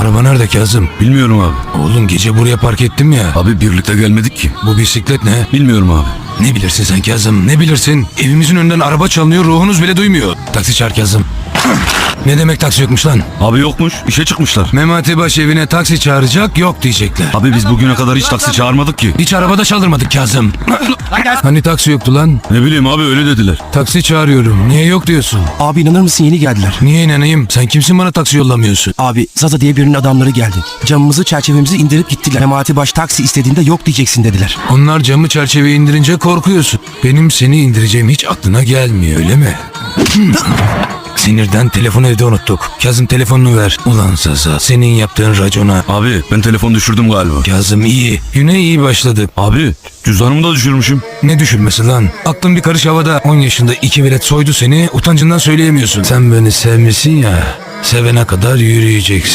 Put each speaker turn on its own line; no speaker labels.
Araba nerede Kazım?
Bilmiyorum abi.
Oğlum gece buraya park ettim ya.
Abi birlikte gelmedik ki.
Bu bisiklet ne?
Bilmiyorum abi.
Ne bilirsin sen Kazım, ne bilirsin? Evimizin önünden araba çalınıyor, ruhunuz bile duymuyor. Taksi çağır Kazım. Ne demek taksi yokmuş lan?
Abi yokmuş. İşe çıkmışlar.
Memati Baş evine taksi çağıracak, yok diyecekler.
Abi biz bugüne kadar hiç taksi çağırmadık ki.
Hiç arabada çaldırmadık Kazım. Hani taksi yoktu lan?
Ne bileyim abi, öyle dediler.
Taksi çağırıyorum. Niye yok diyorsun?
Abi inanır mısın, yeni geldiler.
Niye inanayım? Sen kimsin bana taksi yollamıyorsun?
Abi Zaza diye birinin adamları geldi. Camımızı çerçevemizi indirip gittiler. Memati Baş taksi istediğinde yok diyeceksin dediler.
Onlar camı çerçeveyi indirince korkuyorsun. Benim seni indireceğim hiç aklına gelmiyor öyle mi? Sinirden telefonu evde unuttuk. Kazım telefonunu ver. Ulan Zaza, senin yaptığın racona.
Abi ben telefon düşürdüm galiba.
Kazım iyi. Güne iyi başladı.
Abi cüzdanımı da düşürmüşüm.
Ne düşürmesi lan? Aklın bir karış havada. 10 yaşında 2 velet soydu seni. Utancından söyleyemiyorsun. Sen beni sevmişsin ya. Sevene kadar yürüyeceksin.